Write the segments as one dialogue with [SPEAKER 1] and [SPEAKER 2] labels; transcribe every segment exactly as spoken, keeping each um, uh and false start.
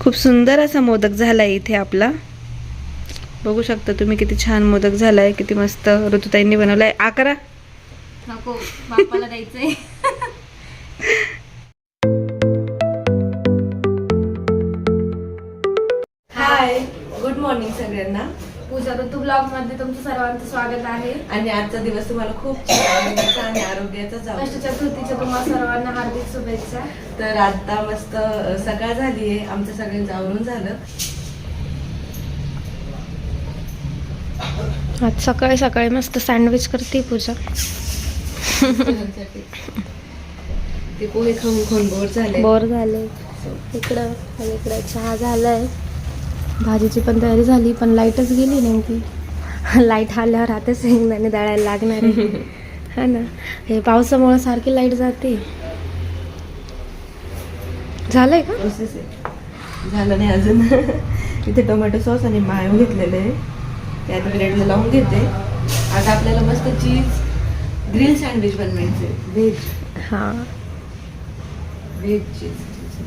[SPEAKER 1] खूप सुंदर असा मोदक झालाय इथे आपला. बघू शकता तुम्ही किती छान मोदक झालाय, किती मस्त ऋतुताईंनी बनवलाय. आकरा
[SPEAKER 2] नको, बापाला द्यायचंय.
[SPEAKER 1] हाय, गुड मॉर्निंग सगळ्यांना.
[SPEAKER 2] पूजा ऋतू ब्लॉग मध्ये तुमचं सर्वांचं स्वागत आहे.
[SPEAKER 1] आणि आजचा दिवस तुम्हाला खूप आनंदाचा आणि आरोग्याचा जाऊ.
[SPEAKER 2] अष्ट चतुर्थीच्या तुम्हाला सर्वांना हार्दिक शुभेच्छा.
[SPEAKER 1] तर आता मस्त सकाळ झालीये, आमचं सगळ्यांचं आवरून झालं.
[SPEAKER 2] आज सकाळी सकाळी मस्त सँडविच करते पूजा.
[SPEAKER 1] ते पोहे खाऊन खाऊन बोर झाले
[SPEAKER 2] बोर झाले इकडं आणि इकडं चहा झालाय. भाजीची पण तयारी झाली, पण लाईटच गेली नेमकी. लाईट आल्यावर आता शेंगदाणे दळायला लागणार आहे. हा ना, हे पावसामुळे सारखी लाईट जाते. झालंय का?
[SPEAKER 1] प्रोसेस आहे, झालं नाही अजून. इथे टोमॅटो सॉस आणि मायो घेतलेले आहे, त्यात ब्रेडला लावून घेते. आता आपल्याला मस्त चीज ग्रिल सँडविच बनवायचे, व्हेज.
[SPEAKER 2] हा,
[SPEAKER 1] व्हेज चीज.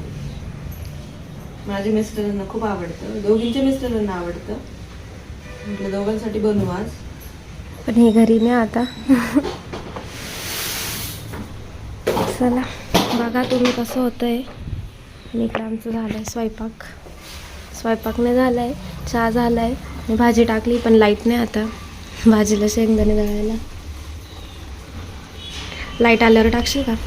[SPEAKER 1] माझ्या मिस्टरांना खूप आवडतं, दोघींच्या मिस्टरांना आवडतं. म्हटलं दोघांसाठी बनवू आज.
[SPEAKER 2] पण हे घरी नाही आता. चला बघा तुम्ही कसं होतंय. आणि इकडं आमचं झालंय स्वयंपाक. स्वयंपाक नाही झालाय, चहा झालाय आणि भाजी टाकली, पण लाईट नाही आता. भाजीला शेंगदाणे दळायला. लाईट आल्यावर टाकशील का?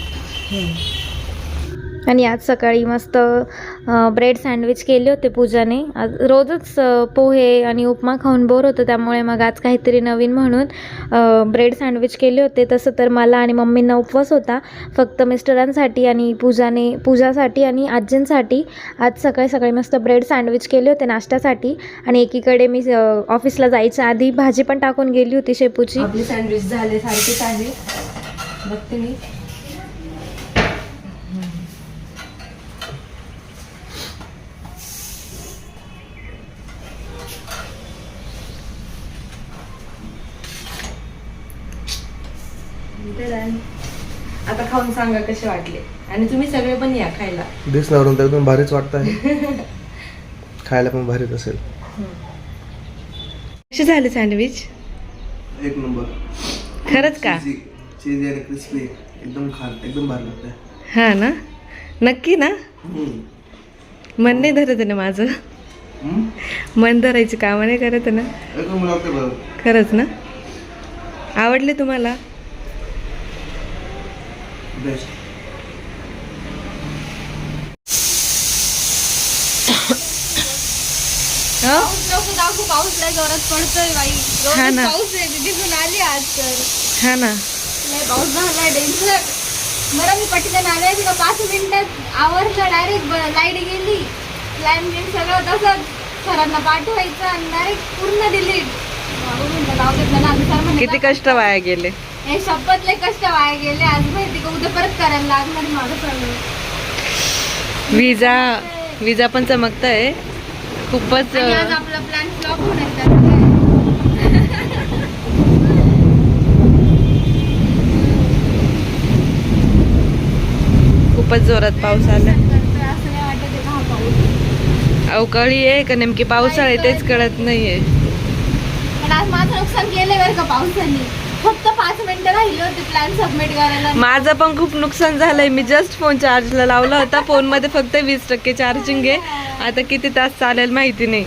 [SPEAKER 2] आणि आज सकाळी मस्त ब्रेड सँडविच केले होते पूजाने. आज रोजच पोहे आणि उपमा खाऊन बोर होतं, त्यामुळे मग आज काहीतरी नवीन म्हणून ब्रेड सँडविच केले होते. तसं तर मला आणि मम्मींना उपवास होता, फक्त मिस्टरांसाठी आणि पूजाने पूजासाठी आणि आजींसाठी आज सकाळी सकाळी मस्त ब्रेड सँडविच केले होते नाश्त्यासाठी. आणि एकीकडे मी ऑफिसला जायच्या आधी भाजी पण टाकून गेली होती शेपूची.
[SPEAKER 1] आपले सँडविच झाले सारखेच आहे, बघते मी. आता खाऊन सांगा कसे वाटले, आणि तुम्ही सगळे पण या खायला.
[SPEAKER 3] दिसण्यावरून तर एकदम भारीच वाटत आहे. खायला पण भारीच असेल.
[SPEAKER 1] कसे झाले सँडविच?
[SPEAKER 3] एक नंबर.
[SPEAKER 1] खरंच का?
[SPEAKER 3] चीज आणि क्रिस्पी एकदम खान एकदम भारी लागतंय.
[SPEAKER 1] हा ना, नक्की ना? मन नाही धरत ना माझं. मन धरायची कामं नाही करत ना.
[SPEAKER 3] एकदम लागतंय बरं.
[SPEAKER 1] खरंच ना? आवडले तुम्हाला?
[SPEAKER 3] बेस्ट.
[SPEAKER 2] दाखवू, पाऊस लय जोरात पडतोय बाई.
[SPEAKER 1] हा ना.
[SPEAKER 2] पाऊस आहे, दिसून आली आज तर.
[SPEAKER 1] हा ना.
[SPEAKER 2] लय पाऊस झाला डेंजर. बरं मी पटकन आले तिला पाच मिनिटात आवरलं, डायरेक्ट लाईट गेली. प्लॅन बिन सगळं तसंच सरांना पाठवायचं आणि डायरेक्ट पूर्ण डिलीट.
[SPEAKER 1] किती कष्ट वाया गेले.
[SPEAKER 2] हे शपथ लय कष्ट वाया गेले. आज माहिती का उद्या परत करायला लागणार माझं सगळं.
[SPEAKER 1] विजा विजा पण चमकत आहे खूपच.
[SPEAKER 2] आणि आज आपला प्लॅन फ्लॉप होणार त्याचं काय?
[SPEAKER 1] खूपच जोरात पाऊस आला.
[SPEAKER 2] असं नाही वाटत आहे का हा पाऊस
[SPEAKER 1] अवकाळी आहे का नेमकी पावसाळी तेच कळत नाहीये.
[SPEAKER 2] पण आज माझं नुकसान केलंय बरं का पावसाने. फक्त पाच मिनिटं राहिले होते प्लॅन सबमिट करायला.
[SPEAKER 1] माझं पण खूप नुकसान झालंय. मी जस्ट फोन चार्जला लावला होता, फोन मध्ये फक्त वीस टक्के चार्जिंग आहे. आता किती तास चालेल माहिती नाही.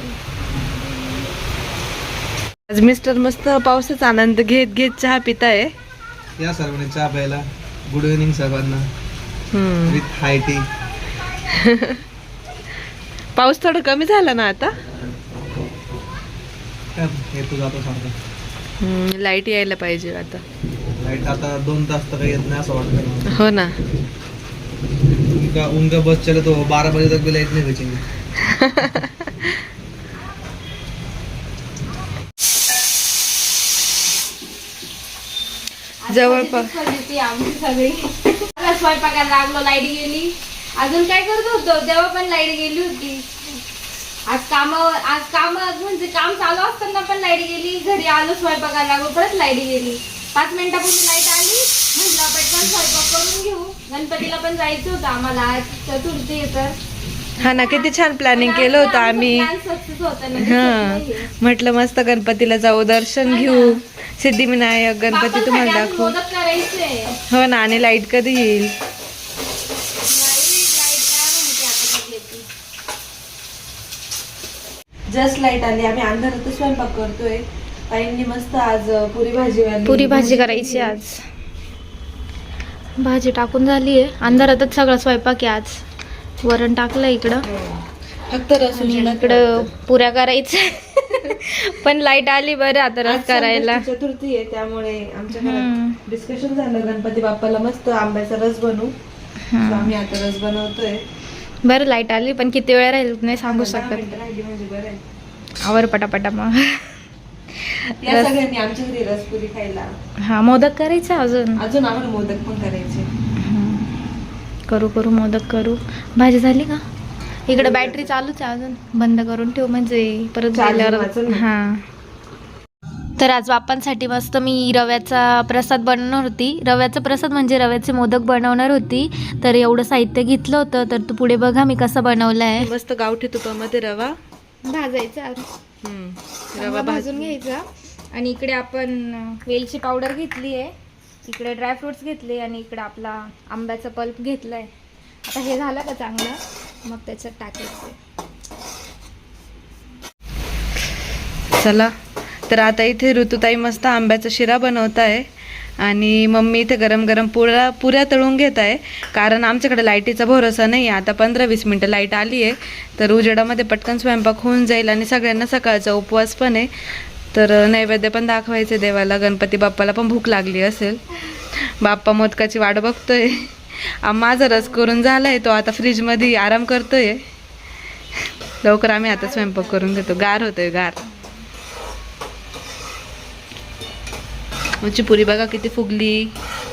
[SPEAKER 1] आज मिस्टर मस्त पावसाचा आनंद घेत घेत चहा पिताय.
[SPEAKER 3] या सर्वांनी चहा प्यायला. गुड इव्हनिंग सर्वांना. With high tea.
[SPEAKER 1] पाऊस थोडा कमी झाला ना आता.
[SPEAKER 3] हे तू जातो सांगतो.
[SPEAKER 1] लाईट यायला पाहिजे आता.
[SPEAKER 3] लाईट आता दोन तास तर काही येत नाही असं वाटतं.
[SPEAKER 1] हो ना.
[SPEAKER 3] उनका उनका बस चले तो बारह बजे तक भी लाइट नहीं बचेंगे.
[SPEAKER 1] जवळपास
[SPEAKER 2] आमची सगळी स्वयंपाकाला लागलो, लाईट गेली. अजून काय करत होतो तेव्हा पण लाईट गेली होती. आज कामावर आज काम म्हणजे काम चालू असताना पण लाईट गेली. घरी आलो स्वयंपाकाला लागलो, परत लाईट गेली. पाच मिनिटापूर्वी लाईट आली, म्हटलं पटकन स्वयंपाक करून घेऊ. गणपतीला पण जायचं होतं आम्हाला, आज चतुर्थी आहे तर
[SPEAKER 1] हा ना, किती छान प्लॅनिंग केलं होतं आम्ही. हा म्हटलं मस्त गणपतीला जाऊ, दर्शन घेऊ, सिद्धिविनायक गणपती तुम्हाला दाखवू. हो ना, आणि लाईट कधी येईल. जस्ट लाईट आली, आम्ही अंधारातच स्वयंपाक करतोय. ताईंनी मस्त आज पुरी भाजी
[SPEAKER 2] पुरी भाजी करायची आज. भाजी टाकून झाली आहे, अंधारातच सगळा स्वयंपाक आहे आज. वरण टाकलं इकडं,
[SPEAKER 1] फक्त रस
[SPEAKER 2] इकडं पुऱ्या करायच्या. पण लाईट आली बरं आता रस करायला.
[SPEAKER 1] चतुर्थी आहे त्यामुळे आमच्या घरात डिस्कशन झालं, गणपती बाप्पाला मस्त आंब्याचा रस बनवू. आम्ही आता रस बनवतोय.
[SPEAKER 2] बरं लाईट आली, पण किती वेळ राहील नाही सांगू शकत.
[SPEAKER 1] म्हणजे बरं आहे.
[SPEAKER 2] आवर पटापटा मग.
[SPEAKER 1] या सगळ्यांनी आमच्या घरी रसपुरी खायला.
[SPEAKER 2] हा, मोदक करायचं अजून.
[SPEAKER 1] अजून आम्हाला मोदक पण करायचे.
[SPEAKER 2] करू करू मोदक करू. भाजी झाली का? इकडे बॅटरी चालूच आहे अजून, बंद करून ठेव म्हणजे परत झाल्यावर. हा, तर आज बाप्पांसाठी मस्त मी रव्याचा प्रसाद बनवणार होती. रव्याचा प्रसाद म्हणजे रव्याचे मोदक बनवणार होती. तर एवढं साहित्य घेतलं होतं. तर तू पुढे बघा मी कसं बनवलं आहे.
[SPEAKER 1] मस्त गावठी तुपामध्ये रवा
[SPEAKER 2] भाजायचा, रवा भाजून घ्यायचा. आणि इकडे आपण वेलची पावडर घेतली आहे, इकडे ड्रायफ्रुट्स घेतले, आणि इकडे आपला आंब्याचा पल्प घेतलाय. आता हे झालं का चांगलं, मग त्याच्यात टाकायचं.
[SPEAKER 1] चला, तर आता इथे ऋतुताई मस्त आंब्याचा शिरा बनवत आहे आणि मम्मी इथे गरम गरम पुऱ्या पुऱ्या तळून घेत आहे. कारण आमच्याकडे लाईटीचा भरोसा नाही आहे. आता पंधरा वीस मिनटं लाईट आली आहे, तर उजेडामध्ये पटकन स्वयंपाक होऊन जाईल. आणि सगळ्यांना सकाळचा उपवास पण आहे, तर नैवेद्य पण दाखवायचे देवाला. गणपती बाप्पाला पण भूक लागली असेल. बाप्पा मोदकाची वाट बघतोय. माझा रस करून झालाय, तो आता फ्रीजमध्ये आराम करतोय. लवकर आम्ही आता स्वयंपाक करून घेतो. गार होतोय गार. आमची पुरी बघा किती फुगली.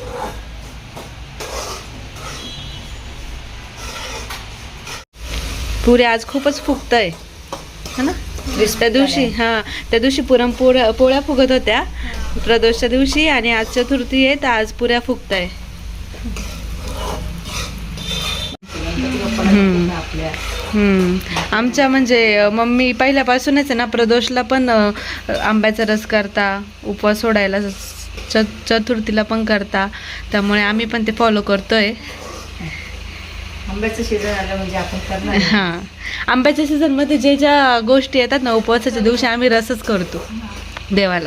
[SPEAKER 1] पुरी आज खूपच फुगतंय है ना. त्या दिवशी हा त्या दिवशी पुरणपोळ्या पोळ्या फुगत होत्या प्रदोषच्या दिवशी, आणि आज चतुर्थी आहे तर आज पुऱ्या फुगताय. हम्म आमच्या म्हणजे मम्मी पहिल्यापासूनच आहे ना, प्रदोषला पण आंब्याचा रस करता, उपवास सोडायला च चतुर्थीला पण करता. त्यामुळे आम्ही पण ते फॉलो करतोय.
[SPEAKER 4] आंब्याचं सीझन आलं म्हणजे आपण करणार.
[SPEAKER 1] हां, आंब्याच्या सीझनमध्ये जे ज्या गोष्टी येतात ना, उपवासाच्या दिवशी आम्ही रसच करतो देवाला.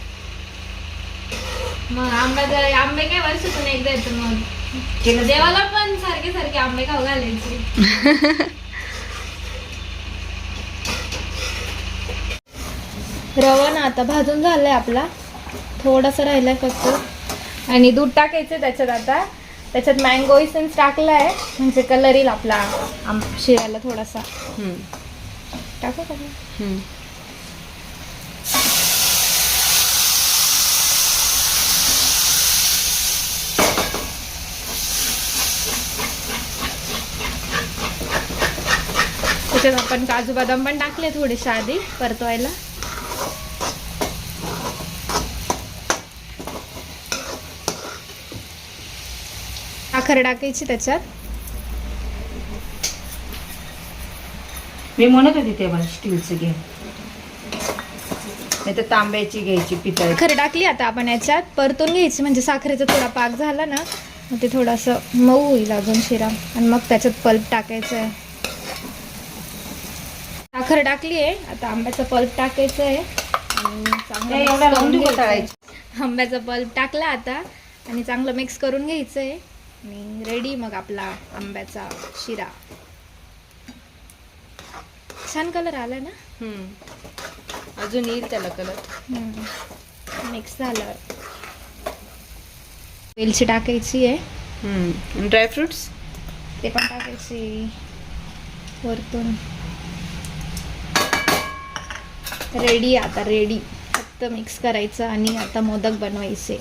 [SPEAKER 2] मग आंब्याचे आंबे काय वर्षातून एकदा येतो, मग देवाला पण सारखे सारखे आंबे खाऊ घालायचे. रवा ना आता भाजून झालाय आपला, थोडासा राहिलाय फक्त. आणि दूध टाकायचं त्याच्यात. आता त्याच्यात मँगो इसेन्स टाकलाय म्हणजे कलर येईल आपला आम शिऱ्याला थोडासा. टाकू का? त्याच्यात आपण काजू बदाम पण टाकले थोडेसे आधी परतवायला. साखर टाकायची त्याच्यात.
[SPEAKER 4] मी म्हणत होती तेव्हा स्टीलचं घे, नाही तर तांब्याची घ्यायची, पितळ.
[SPEAKER 2] साखर टाकली आता आपण याच्यात, परतून घ्यायची म्हणजे साखरेचा थोडा पाक झाला ना, मग ते थोडंसं मऊ होईल अजून शिरा. आणि मग त्याच्यात पल्प टाकायचं आहे. साखर टाकली आहे, आता आंब्याचा पल्प टाकायचं आहे. आणि
[SPEAKER 4] एवढा लावून तळायची.
[SPEAKER 2] आंब्याचा पल्प टाकला आता आणि चांगलं मिक्स करून घ्यायचं आहे. आणि रेडी मग आपला आंब्याचा शिरा. छान कलर आला ना.
[SPEAKER 1] अजून येईल त्याला कलर.
[SPEAKER 2] मिक्स झालं. वेलची टाकायची आहे,
[SPEAKER 1] ड्रायफ्रुट्स
[SPEAKER 2] ते पण टाकायची वरतून. रेडी आता, रेडी. फक्त मिक्स करायचं आणि आता मोदक बनवायचे.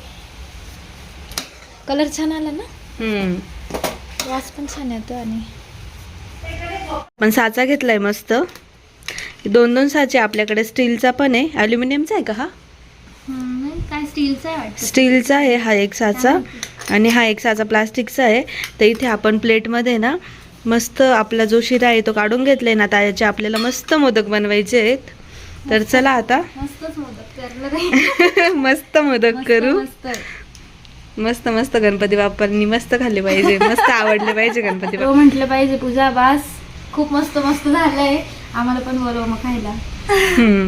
[SPEAKER 2] कलर छान आला ना, वास पण छान येतो. आणि
[SPEAKER 1] पण साचा घेतलाय मस्त, दोन दोन साचे आपल्याकडे. स्टीलचा पण आहे, अल्युमिनियमचा आहे का हा?
[SPEAKER 2] काय स्टीलचा आहे?
[SPEAKER 1] स्टीलचा आहे हा एक साचा, आणि हा एक साचा प्लास्टिकचा आहे. तर इथे आपण प्लेटमध्ये ना मस्त आपला जो शिरा आहे तो काढून घेतलाय ना, आता याचे आपल्याला मस्त मोदक बनवायचे आहेत. तर चला आता
[SPEAKER 2] मस्तच मोदक करणार
[SPEAKER 1] मस्त मोदक करू.
[SPEAKER 2] मस्त
[SPEAKER 1] मस्त मस्त गणपती बाप्पांनी मस्त खाल्ले पाहिजे, मस्त आवडले पाहिजे गणपती
[SPEAKER 2] हो म्हटलं पाहिजे. पूजा बास खूप मस्त मस्त झालंय, आम्हाला पण बोलव मग खायला.
[SPEAKER 1] बाप्पा.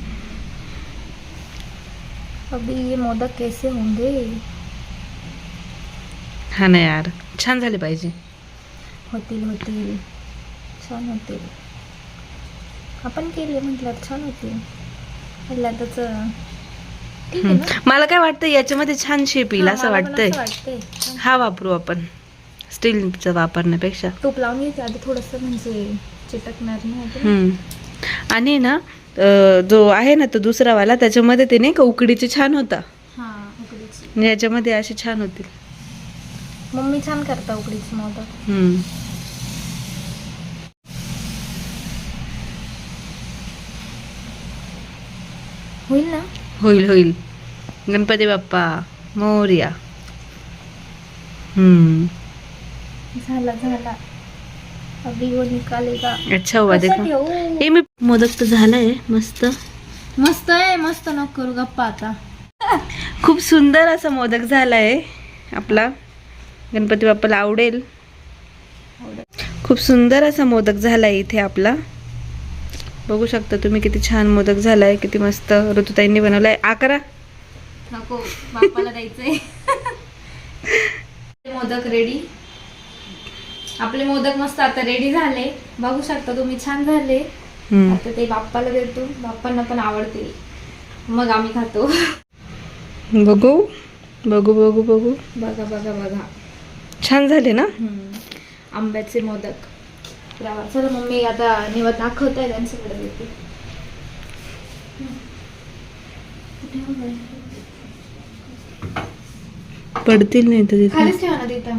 [SPEAKER 2] अभी ये मोदक कैसे होंगे?
[SPEAKER 1] हा ना यार, छान झाले पाहिजे.
[SPEAKER 2] होतील होतील छान होतील. आपण केले म्हटलं छान होतील. खाल्ला त्याच ठीक आहे ना.
[SPEAKER 1] मला काय वाटतं याच्यामध्ये छान शेप येईल
[SPEAKER 2] हा,
[SPEAKER 1] असं
[SPEAKER 2] मला पण
[SPEAKER 1] वाटतंय.
[SPEAKER 2] असं वाटतंय. छान.
[SPEAKER 1] हा वापरू आपण, स्टीलचा वापरण्यापेक्षा.
[SPEAKER 2] तूप लावून घ्यायचं आधी थोडस, म्हणजे चिटकणार नाही आता.
[SPEAKER 1] हम्म. आणि ना अं, जो आहे ना तो दुसरा वाला, त्याच्यामध्ये ते नाही का उकडीचे छान होता.
[SPEAKER 2] हा उकडीची.
[SPEAKER 1] आणि याच्यामध्ये असे छान होतील.
[SPEAKER 2] मम्मी छान करता उकडीची मोदक.
[SPEAKER 1] हम्म.
[SPEAKER 2] होईल ना.
[SPEAKER 1] होईल होईल. गणपती बाप्पा मोरया. हम्म.
[SPEAKER 2] झाला झाला. अभी वो निकालेगा.
[SPEAKER 1] अच्छा हुआ
[SPEAKER 2] कसं
[SPEAKER 1] देखो.
[SPEAKER 2] ठेवू?
[SPEAKER 1] हे मी मोदक तर झालाय मस्त.
[SPEAKER 2] मस्त आहे, मस्त नको करू गप्पा आता.
[SPEAKER 1] खूप सुंदर असा मोदक झालाय आपला. गणपती बाप्पाला आवडेल. खूप सुंदर असा मोदक झालाय इथे आपला. बघू शकता तुम्ही किती छान मोदक झालाय, किती मस्त ऋतुताईंनी बनवलाय. आकरा
[SPEAKER 2] नको बाप्पाला द्यायचंय. मोदक रेडी. आपले मोदक मस्त आता रेडी झाले, बघू शकता तुम्ही, छान झाले.
[SPEAKER 1] हम्म.
[SPEAKER 2] आता ते बाप्पाला देतो, बाप्पांना पण आवडते, मग आम्ही खातो.
[SPEAKER 1] बघू बघू बघू बघू.
[SPEAKER 2] बघा बघा बघा
[SPEAKER 1] छान झाले ना.
[SPEAKER 2] हम्म. आंब्याचे मोदक. रवा. चला मम्मी आता निवत दाखवताय त्यांच्याकडे देते.
[SPEAKER 1] पडतील नाही तर तिथे.
[SPEAKER 2] खालीच ठेवा ना तिथं.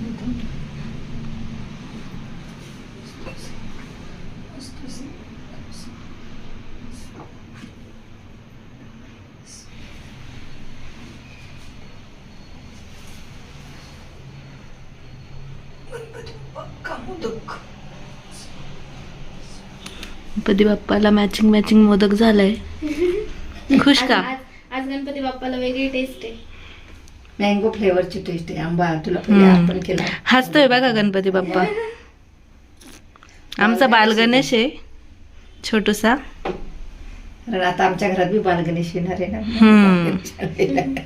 [SPEAKER 1] गणपती बाप्पाला मॅचिंग मॅचिंग मोदक झालाय. खुश का?
[SPEAKER 2] आज आज गणपती बाप्पाला वेगळी टेस्ट आहे.
[SPEAKER 4] मँगो फ्लेवरची टेस्ट आहे. आंबा तुला पहिले
[SPEAKER 1] हम्म.
[SPEAKER 4] आपण केला.
[SPEAKER 1] हसतोय बघा गणपती बाप्पा. आमचा बाल गणेश आहे छोटूसा.
[SPEAKER 4] कारण आता आमच्या घरात बी बालगणेश येणार आहे
[SPEAKER 1] हम्म.
[SPEAKER 4] ना.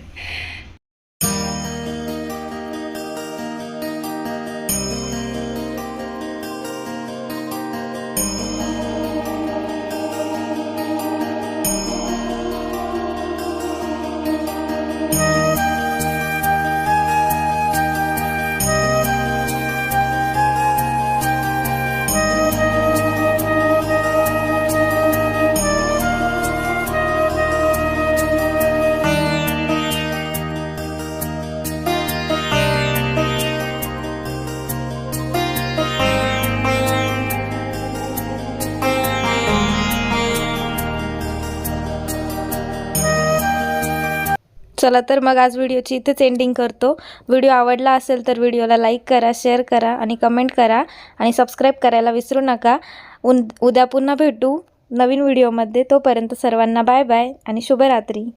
[SPEAKER 2] चला तर मग आज व्हिडिओची इथेच एंडिंग करतो. व्हिडिओ आवडला असेल तर व्हिडिओला लाईक करा, शेअर करा आणि कमेंट करा आणि सबस्क्राईब करायला विसरू नका. उन उद्या पुन्हा भेटू नवीन व्हिडिओमध्ये. तोपर्यंत सर्वांना बाय बाय आणि शुभरात्री.